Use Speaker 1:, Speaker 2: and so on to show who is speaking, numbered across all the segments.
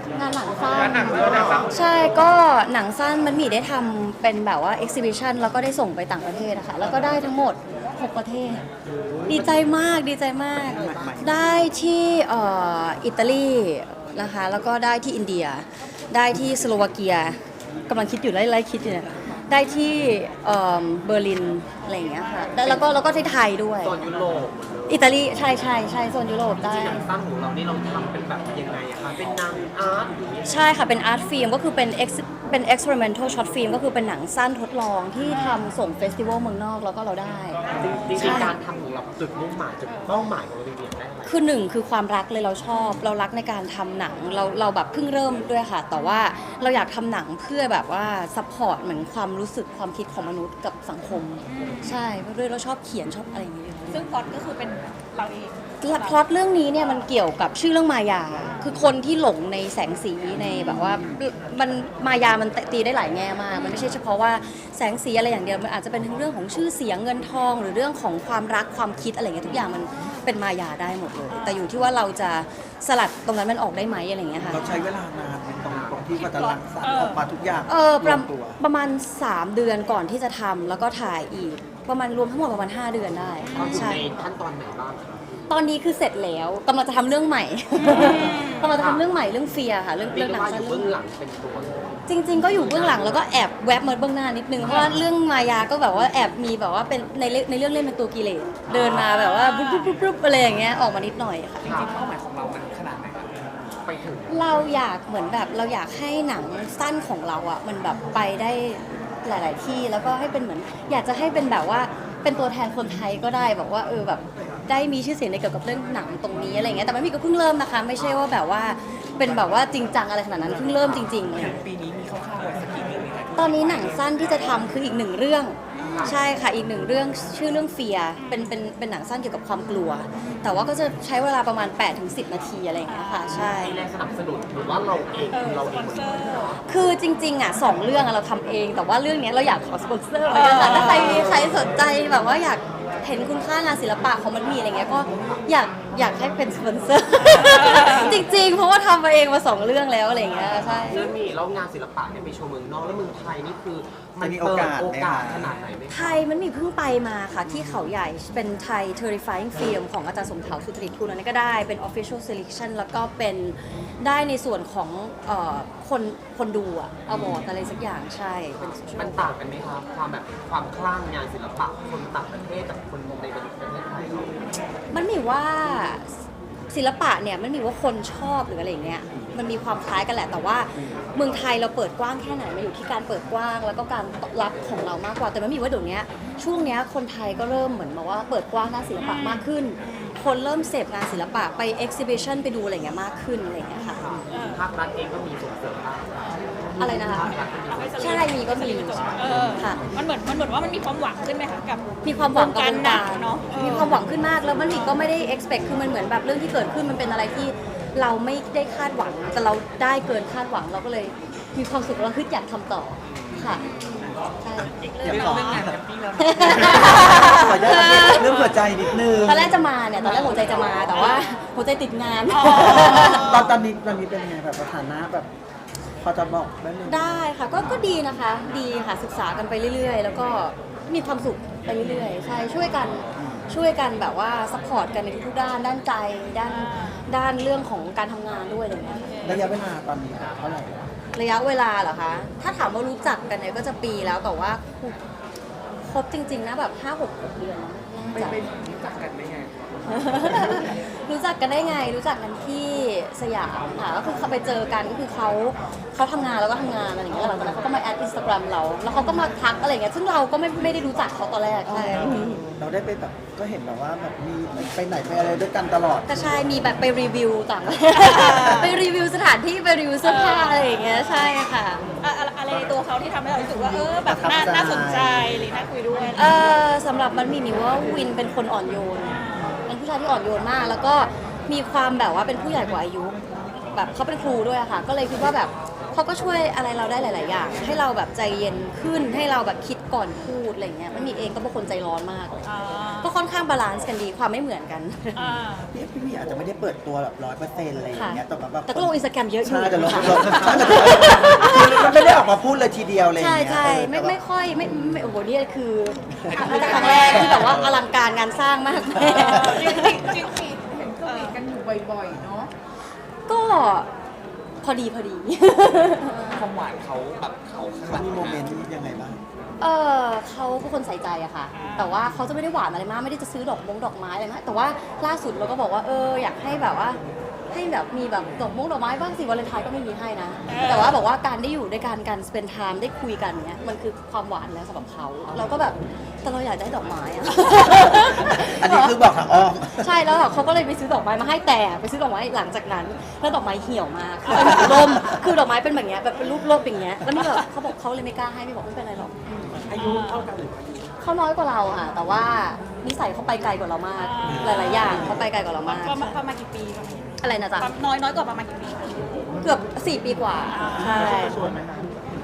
Speaker 1: งานหนังสั้นใช่ก็หนังสั้นมันมีได้ทำเป็นแบบว่า exhibition แล้วก็ได้ส่งไปต่างประเทศนะคะแล้วก็ได้ทั้งหมด6ประเทศดีใจมากดีใจมาก ได้ที่อิตาลีนะคะแล้วก็ได้ที่อินเดียได้ที่สโลวาเกียกำลังคิดอยู่ไล่คิดอยู่เนี่ยได้ที่เบอร์ลินอะไรอย่างเงี้ยค่ะแล้วก็ที่ไทยด้วย
Speaker 2: โซนยุโรป
Speaker 1: อิตาลีใช่โซนยุโรปได้
Speaker 2: ที่หนังสั้นของเรานี่เราทำเป็นแบบยังไงอะคะเป็นหนังอาร์ตหรือยังไง
Speaker 1: ใช่ค่ะเป็นอาร์ตฟิล์มก็คือเป็น experimental short film ก็คือเป็นหนังสั้นทดลองที่ทำส่งเฟสติวัลเมืองนอกแล้วก็เราได้
Speaker 2: จริงๆการทำของเราจุดมุ่งหมายจุดเป้าหมายของเราเรียนได้ไหม
Speaker 1: คือหนึ่งคือความรักเลยเราชอบเรารักในการทำหนังเราแบบเพิ่งเริ่มด้วยค่ะ แต่ว่าเราอยากทำหนังเพื่อแบบว่าซัพพอร์ตเหมือนความรู้สึกความคิดของมนุษย์กับสังคม ใช่เพราะด้วยเราชอบเขียนชอบอะไรอย่างเงี้ย
Speaker 3: ซึ่งพล็อตก็คือเป็นเราเอง
Speaker 1: พล็อตเรื่องนี้เนี่ยมันเกี่ยวกับชื่อเรื่องมายา คือคนที่หลงในแสงสีในแบบว่ามันมายามันตีได้หลายแง่มาก มันไม่ใช่เฉพาะว่าแสงสีอะไรอย่างเดียวมันอาจจะเป็นทั้งเรื่องของชื่อเสียงเงินทอง หรือเรื่องของความรักความคิดอะไรเงี้ยทุกอย่างมันเป็นมายาได้หมดเลย แต่อยู่ที่ว่าเราจะสลัดตรงนั้นมันออกได้ไหมอะไรเงี้ยค่ะ
Speaker 4: เราใช้เวลานานในตรงที่กว่าจะรังสรรค์ออกมาทุกอย่าง
Speaker 1: ประมาณ3เดือนก่อนที่จะทำแล้วก็ถ่ายอีกประมาณรวมทั้งหมดประมาณ5เดือนได้
Speaker 2: เราอยู่
Speaker 1: ใช่
Speaker 2: ในขั้นตอนไหนบ้างคะ
Speaker 1: ตอนนี้คือเสร็จแล้วกำลังจะทำเรื่องใหม่ กำลังจะทำเรื่องใหม่เรื่องเฟียค่ะเรื่อง
Speaker 2: เรียก
Speaker 1: หนั
Speaker 2: ได้
Speaker 1: ง
Speaker 2: ว่าอ
Speaker 1: สั้น
Speaker 2: ยู่เบื้องหลังเป็นตัว
Speaker 1: จริง ๆ ก็อยู่เบื้องหลังแล้วก็แอบแวบมาเบื้องหน้านิดนึงเพราะว่าเรื่องมายาก็แบบว่าแอบมีแบบว่าเป็นในเรื่องเล่นเป็นตัวกิเลสเดินมาแบบว่าปุ๊บอะไรอย่างเงี้ยออกมานิดหน่อยค่ะ
Speaker 2: จริงๆเป้าหมายของเรามันขนาดไหนครับไปถึง
Speaker 1: เราอยากเหมือนแบบเราอยากให้หนังสั้นของเราอ่ะมันแบบไปได้หลาย ๆ ที่แล้วก็ให้เป็นเหมือนอยากจะให้เป็นแบบว่าเป็นตัวแทนคนไทยก็ได้แบบว่าแบบได้มีชื่อเสียงในเกี่ยวกับเรื่องหนังตรงนี้อะไรเงี้ยแต่มันมีก็เพิ่งเริ่มนะคะไม่ใช่ว่าแบบว่าเป็นแบบว่าจริงจังอะไรขนาดนั้นเพิ่งเริ่มจริงๆเลย
Speaker 2: ปีนี้มีคร่าวๆไว้สักกี่เรื่องไหมคะ
Speaker 1: ตอนนี้หนังสั้นที่จะทำคืออีกหนึ่งเรื่องใช่ค่ะอีกหนึ่งเรื่องชื่อเรื่องเฟียเป็นหนังสั้นเกี่ยวกับความกลัว แต่ว่าก็จะใช้เวลาประมาณ 8-10 นาทีอะไรอย่างเงี้ยค่ะใช่
Speaker 2: มีแรงสนับสนุนหรือว่าเราเองเรา
Speaker 3: ส
Speaker 2: เอ
Speaker 3: ปอง นเซอร์
Speaker 1: คือจริงๆอ่ะ2เรื่องอะเราทำเอง แต่ว่าเรื่องเนี้ยเราอยากขอสปอนเซอร์เหมือนกันค่ะถ้าใครสนใจแบบว่าอยากเห็นคุณค่างานศิลปะของมันมีอะไรเงี้ยก็อยากให้เป็นสปอนเซอร์ จริงๆ เพราะว่าทำมาเองมา2เรื่องแล้วอะไรเงี้ยใช่
Speaker 2: เรื่องนี้แล้วงานศิลปะเนี่ยไปโชว์เมืองนอกแล้วเมืองไทยนี่คือมัน
Speaker 4: จะมี
Speaker 2: เปิด
Speaker 4: โอ
Speaker 2: โอก
Speaker 4: า
Speaker 2: กา
Speaker 4: ส
Speaker 2: ส
Speaker 4: ไหมคะ
Speaker 2: ขนาดไหนไหม
Speaker 1: ไทยมันมีเพิ่งไปมาค่ะที่เขาใหญ่เป็นไทย Terrifying Film ของอาจารย์สมเถาสุตริกุลอันนี้ก็ได้เป็น Official Selection แล้วก็เป็นได้ในส่วนของคนดูอะอวอร์ดอะไรสักอย่างใช่เป็น social
Speaker 2: มันต่างกันไหมครับความแบบความคลั่งงานศิลปะคนต่างประเทศกับคนในประเทศไทยเรา
Speaker 1: มันมีว่าศิลปะเนี่ยมันมีว่าคนชอบหรืออะไรอย่างเงี้ยมันมีความคล้ายกันแหละแต่ว่าเมืองไทยเราเปิดกว้างแค่ไหนมันอยู่ที่การเปิดกว้างแล้วก็การตอบรับของเรามากกว่าแต่มันมีว่าเดี๋ยวนี้ช่วงเนี้ยคนไทยก็เริ่มเหมือนมาว่าเปิดกว้างด้านศิลปะมากขึ้น คนเริ่มเสพงานศิลปะไป exhibition ไปดูอะไรอย่างเงี้ยมากขึ้นอะไรอย่างเงี้ยค่ะ
Speaker 2: ภาครัฐเองก็มีส่งเสริมบ้าง
Speaker 1: อะไรนะคะ
Speaker 2: ภาครัฐก็มีส่งเสริม
Speaker 1: ใช่มีก็มี ค่ะ
Speaker 3: มันเหมือนว่ามันมีความหวังขึ้นไหมคะกับ
Speaker 1: มีความหวังกับ
Speaker 3: วงการหนังเนอะ
Speaker 1: มีความหวังขึ้นมากแล้วมันอีกก็ไม่ได้ expect คือมันเหมือนแบบเรื่องที่เกิดขึ้นมันเป็นอะไรที่เราไม่ได้คาดหวังแต่เราได้เกินคาดหวังเราก็เลยมีความสุขเราคิดอยากทำต่อค่ะใช่
Speaker 4: อยากขอขออนุญาตเรื่องหัวใจนิดนึง
Speaker 1: ตอนแรกจะมาเนี่ยตอนแรกหัวใจจะมาแต่ว่าหัวใจติดงาน
Speaker 4: ตอนนี้เป็นยังไงแบบสถานะแบบพอจะบอกได้ไหม
Speaker 1: ได้ค่ะก็ดีนะคะดีค่ะศึกษากันไปเรื่อยๆ แล้วก็มีความสุขไปเรื่อยๆใช่ช่วยกันแบบว่าซัพพอร์ตกันในทุกๆด้านด้านใจด้านเรื่องของการทำงานด้วยอะไรอย่างเงี้ย
Speaker 4: ระยะเวลาตอนนี้เท่าไหร่แล้ว
Speaker 1: ระยะเวลาเหรอคะถ้าถามว่ารู้จักกันเนี่ยก็จะปีแล้วแต่ว่าครบจริงๆนะแบบ5-6 เดือนน่าจะ
Speaker 2: รู้จักกันได้ไง
Speaker 1: รู้จักกันได้ไงรู้จักกันที่สยามค่ะก็คือเขาไปเจอกันก็คือเขาทำงานแล้วก็ทำงานอะไรอย่างเงี้ยหลังจากนั้นเขาก็มาแอดอินสตาแกรมเราแล้วเขาก็มาทักอะไรอย่างเงี้ยซึ่งเราก็ไม่ได้รู้จักเขาตอนแรกใช่
Speaker 4: เราได้ไปแบบก็เห็นแบบว่าแบบมีไปไหนไปอะไรด้วยกันตลอด
Speaker 1: ก็ใช่มีแบบไปรีวิวต่าง ไปรีวิวสถานที่ไปรีวิวเสื้อผ้าอะไรอย่างเงี้ยใช่ค่ะ
Speaker 3: อะไรในตัวเขาที่ทำให้เรารู้สึกว่าแบบน่าสนใจหรือน่าคุยด้วย
Speaker 1: สำหรับมันมีว่าวินเป็นคนอ่อนโยนเป็นผู้ชายที่อ่อนโยนมาก แล้วก็มีความแบบว่าเป็นผู้ใหญ่กว่าอายุแบบเขาเป็นครูด้วยอะค่ะ ก็เลยคิดว่าแบบเขาก็ช่วยอะไรเราได้หลาย ๆ อย่าง ให้เราแบบใจเย็นขึ้นให้เราแบบคิดก่อนพูดอะไรเงี้ยมันมีเองก็เป็นคนใจร้อนมาก
Speaker 3: อ่า
Speaker 1: ก็ค่อนข้างบาลานซ์กันดีความไม่เหมือนกัน
Speaker 3: อ่า
Speaker 4: พี่วีอาจจะไม่ได้เปิดตัวแบบ100%อะไรอย่างเงี้ยแต่แบบ
Speaker 1: แต่ก็ลงอินสตาแกรมเยอะอยู่
Speaker 4: ใช่แต่ลง
Speaker 1: ค่ะ
Speaker 4: มันไม่ได้ออกมาพูดเลยทีเดียวเลย
Speaker 1: ใช่ใช่ไม่ค่อยไม่โอ้โหนี่คือครั้งแรกที่แบบว่าอลังการงานสร้างมากแม่
Speaker 3: จริงจริง
Speaker 5: เห็นสวีทกันอยู่บ่อยๆ เนาะ
Speaker 1: ก็พอดี
Speaker 2: ความหวานเขาแบบเขาข้างห
Speaker 4: เขา
Speaker 2: ลัง
Speaker 4: มีโมเมนต์ยังไงบ้าง
Speaker 1: เขาเป็นคนใส่ใจอะค่ะ แต่ว่าเขาจะไม่ได้หวานอะไรมากไม่ได้จะซื้อดอกไม้อะไรมากแต่ว่าล่าสุดเราก็บอกว่าอยากให้แบบว่าให้แบบมีแบบดอกไม้บ้างสิวาเลนไทน์ก็ไม่มีให้นะ แต่ว่าบอกว่าการได้อยู่ด้วยกันการ spend time ได้คุยกันเนี้ยมันคือความหวานแล้วสำหรับเขาเราก็แบบแต่เราอยากได้ดอกไม้อะ
Speaker 4: อันนี้คือบอกทางอ้อม
Speaker 1: ใช่แล้วเขาก็เลยไปซื้อดอกไม้มาให้แต่ไปซื้อดอกไม้หลังจากนั้นแล้วดอกไม้เหี่ยวมากคือเป็นแบบร่มคือดอกไม้เป็นแบบเนี้ยแบบเป็นรูปร่มอย่างเงี้ยแล้วนี่แบบเขาบอกเขาเลยไม่กล้าให้ไม่บอกไม่เป็นไรหรอก
Speaker 3: อายุเท่ากัน
Speaker 1: เขาน้อยกว่าเราค่ะแต่ว่านิสัยเขาไปไกลกว่าเรามาก หลาย ๆ อย่างเขาไปไกลกว่าเรามาก
Speaker 3: ประมาณกี่ปี
Speaker 1: อะไรนะจ๊ะ
Speaker 3: น้อยกว่าประมาณกี่ปี
Speaker 1: เกือบ4 ปีกว่าใช่
Speaker 4: ชวนไหมคะ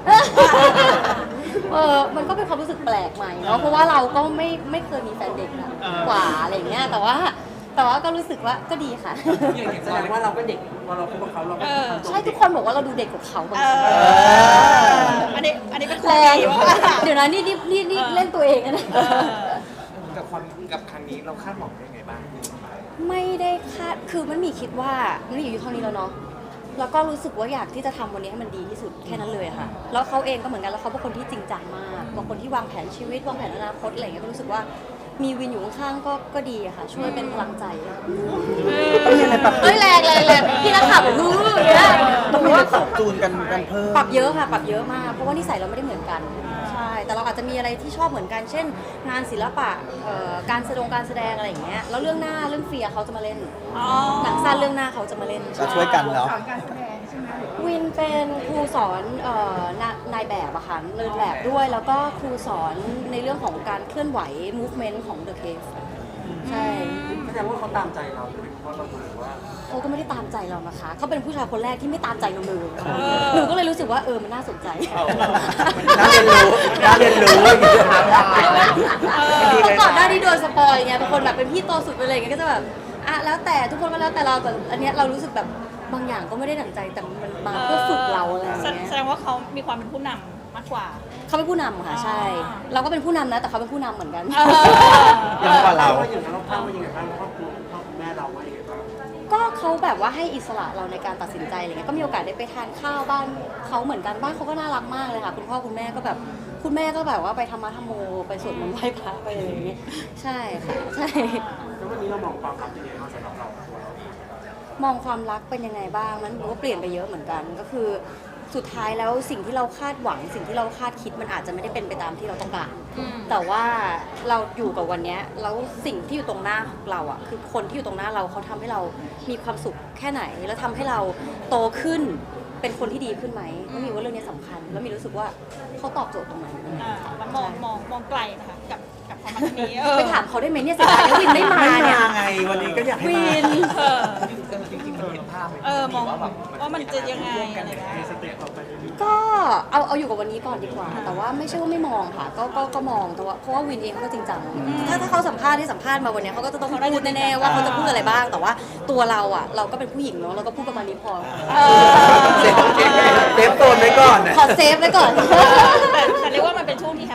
Speaker 1: มันก็เป็นความรู้สึกแปลกใหม่เนาะเพราะว่าเราก็ไม่เคยมีแฟนเด็กนะกว่าอะไรอย่างเงี้ยแต่ว่าก็รู้สึกว่าก็ดีค่ะ
Speaker 2: แสดงว่าเราก็เด็กพอเราคุยกับเขาเราก็
Speaker 1: ใช่ทุกคนบอกว่าเราดูเด็กกว่าเขาบางที
Speaker 3: อันนี้เป็น
Speaker 1: แรง
Speaker 3: ว่า
Speaker 1: เดี๋ยวนะนี่เล่นตัวเองนะ
Speaker 2: กับครั้งนี้เราคาดหวังได้ไงบ้าง
Speaker 1: ไม่ได้คาดคือมันมีคิดว่ามันอยู่เท่านี้แล้วเนาะแล้วก็รู้สึกว่าอยากที่จะทำวันนี้ให้มันดีที่สุดแค่นั้นเลยอะค่ะแล้วเขาเองก็เหมือนกันแล้วเขาเป็นคนที่จริงจังมากบางคนที่วางแผนชีวิตวางแผนอนาคตอะไรอย่างเงี้ยก็รู้สึกว่ามีวินอยู่ข้างๆก็ดีอะค่ะ ช่วยเป็นพลังใจ
Speaker 4: ต้องมีอะไรปรับ
Speaker 1: เอ้ยแรงพี่นักข่าวบอกเนี่ย
Speaker 4: ต้องมีอะไรปรับจูนกันเพิ่ม
Speaker 1: ปรับเยอะค่ะปรับเยอะมากเพราะว่านิสัยเราไม่ได้เหมือนกันใช่แต่เราอาจจะมีอะไรที่ชอบเหมือนกัน เช่น งานศิลปะการแสดงอะไรอย่างเงี้ยแล้วเรื่องหน้าเรื่องเฟียร์เขาจะมาเล่นหนังสั้นเรื่องหน้าเขาจะมาเล่น
Speaker 4: ก็ช่วยกันแล้ว
Speaker 5: สอนการแสดงใช่ไหมหรือว่า
Speaker 1: วินเป็นครูสอนนายแบบอะค่ะเดินแบบด้วย แล้วก็ครูสอนในเรื่องของการเคลื่อนไหว movement ของ The Cave ใช่
Speaker 2: แสดงว่าเขาตามใจเราด้วยเพราะเราดูว่า
Speaker 1: เขาก็ไม่ได้ตามใจเรานะคะเขาเป็นผู้ชายคนแรกที่ไม่ตามใจเราเลยหนูก็เลยรู้สึกว่ามันน่าสนใจ
Speaker 4: น่าเรียนรู้น่าเรียนรู้อย่างเงี้ย
Speaker 1: เพราะก่อนหน้าที่โดนสปอยไงบางคนแบบเป็นพี่โตสุดไปเลยไงก็จะแบบแล้วแต่ทุกคนก็แล้วแต่เราแต่อันเนี้ยเรารู้สึกแบบบางอย่างก็ไม่ได้ดั่งใจแต่มันมาเพื่อฝึกเราอะไรอย่างเงี้ย
Speaker 3: แสดงว่าเขามีความเป็นผู้นำมากกว่า
Speaker 1: เขาเป็นผู้นำค่ะใช่ เราก็เป็นผู้นำนะแต่เขาเป็นผู้นำเหมือนกัน
Speaker 4: ยังกว่าเรา
Speaker 2: อย่างนั้นเราคาดว่ายังไงบ้างครอบครัวพ่อคุณแม่เราว่ายังไงบ้าง
Speaker 1: ก็เขาแบบว่าให้อิสระเราในการตัดสินใจอะไรเงี้ยก็มีโอกาสได้ไปทานข้าวบ้านเขาเหมือนกันบ้านเขาก็น่ารักมากเลยค่ะคุณพ่อคุณแม่ก็แบบคุณแม่ก็แบบว่าไปธรรมะธรรมโมไปสวดมนต์ไหว้พระไปอะไรอย่างเงี้ยใช่ค่ะใช่
Speaker 2: แล้ววันนี้เรามองความรักยังไงบ้างสำหรับเรา
Speaker 1: มองความรักเป็นยังไงบ้างมันก็เปลี่ยนไปเยอะเหมือนกันก็คือสุดท้ายแล้วสิ่งที่เราคาดหวังสิ่งที่เราคาดคิดมันอาจจะไม่ได้เป็นไปตามที่เราต้องการ แต่ว่าเราอยู่กับวันเนี้ยแล้วสิ่งที่อยู่ตรงหน้าของเราอ่ะคือคนที่อยู่ตรงหน้าเราเขาทำให้เรามีความสุขแค่ไหน แล้วทำให้เราโตขึ้นเป็นคนที่ดีขึ้นไหมก็มีว่าเรื่องนี้สำคัญ แล้วมีรู้สึกว่าเขาตอบโจทย์ตรงนั้น
Speaker 3: แล้วมองไกลนะคะกับความรักนี้
Speaker 1: ไปถามเขาได้ไหมเนี่ยเสียดายนะวินไม่มา
Speaker 4: ไม่
Speaker 1: เนี่ย
Speaker 4: มาไงวันนี้ก็อยากให้
Speaker 1: วิ
Speaker 4: มา
Speaker 1: น
Speaker 2: จริงๆมันเห็นภาพไหม
Speaker 3: มอง
Speaker 2: ว่าแบบ
Speaker 3: ว่ามันจะยังไงอะไรแบบนี้
Speaker 1: ก็เอาอยู่กับวันนี้ก่อนดีกว่า แต่ว่าไม่ใช่ว่าไม่มองค่ะก็มองแต่ว่าเพราะว่าวินเองเขาก็จริงจังถ้าเขาสัมภาษณ์ที่สัมภาษณ์มาวันนี้เขาก็จะต้องพูดแน่ๆว่าเขาจะพูดอะไรบ้าง แต่ว่าตัวเราอ่ะเราก็เป็นผู้หญิงเนาะเราก็พูดประมาณนี้พอ
Speaker 4: เซฟโซนไว้ก่อน
Speaker 1: ขอเซฟไว้ก่อน
Speaker 3: แต่เรียกว่ามันเป็นช่วงที่